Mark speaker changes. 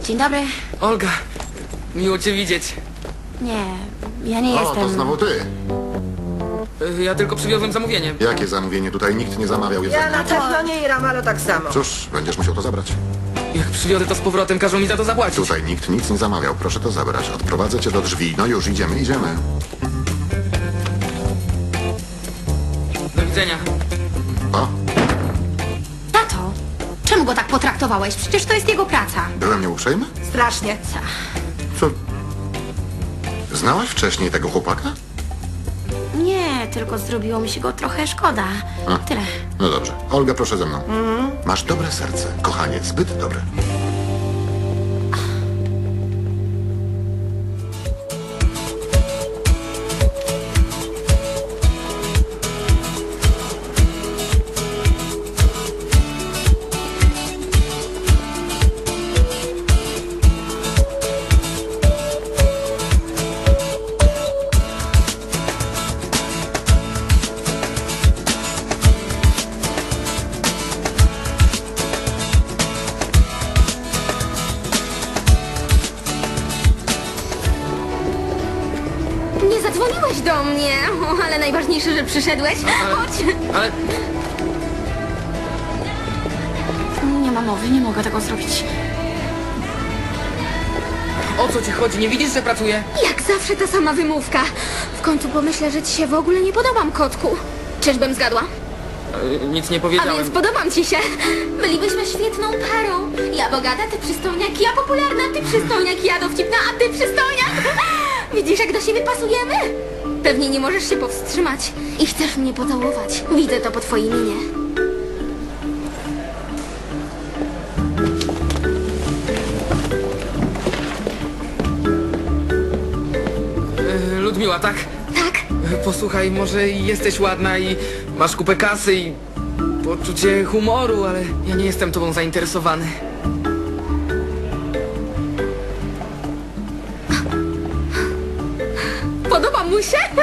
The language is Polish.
Speaker 1: Dzień dobry.
Speaker 2: Olga, miło cię widzieć.
Speaker 1: Nie, ja nie
Speaker 3: O,
Speaker 1: jestem...
Speaker 3: to znowu ty.
Speaker 2: Ja tylko przywiozłem zamówienie.
Speaker 3: Jakie zamówienie? Tutaj nikt nie zamawiał
Speaker 4: Ja
Speaker 3: jedzenia.
Speaker 4: na pewno nie i Ramalo tak samo.
Speaker 3: Cóż, będziesz musiał to zabrać.
Speaker 2: Jak przywiozę to z powrotem, każą mi za to zapłacić.
Speaker 3: Tutaj nikt nic nie zamawiał. Proszę to zabrać. Odprowadzę cię do drzwi. No już, idziemy.
Speaker 2: Do widzenia.
Speaker 3: O,
Speaker 1: Tato, czemu go tak potraktowałeś? Przecież to jest jego praca.
Speaker 3: byłem nieuprzejmy?
Speaker 4: Strasznie.
Speaker 3: Co? Znałaś wcześniej tego chłopaka?
Speaker 1: Nie, tylko zrobiło mi się go trochę szkoda.
Speaker 3: A.
Speaker 1: Tyle.
Speaker 3: No dobrze. Olga, proszę ze mną. Masz dobre serce. Kochanie, zbyt dobre.
Speaker 5: Nie zadzwoniłeś do mnie, o, ale najważniejsze, że przyszedłeś. Chodź.
Speaker 2: Ale
Speaker 1: Nie ma mowy, nie mogę tego zrobić.
Speaker 2: o co ci chodzi? Nie widzisz, że pracuję?
Speaker 5: Jak zawsze ta sama wymówka. W końcu pomyślę, że ci się w ogóle nie podobam, kotku. Czyżbym zgadła?
Speaker 2: Nic nie
Speaker 5: A
Speaker 2: powiedziałem.
Speaker 5: więc podobam ci się. Bylibyśmy świetną parą. Ja bogata, ty przystojniak, ja popularna, ty przystojniak, ja dowcipna, a ty przystojniak. Widzisz, jak do siebie pasujemy? Pewnie nie możesz się powstrzymać i chcesz mnie pocałować. Widzę to po twojej minie.
Speaker 2: Ludmiła, tak?
Speaker 5: Tak?
Speaker 2: Posłuchaj, może jesteś ładna i masz kupę kasy i poczucie humoru, ale ja nie jestem tobą zainteresowany.
Speaker 5: Podoba mu się?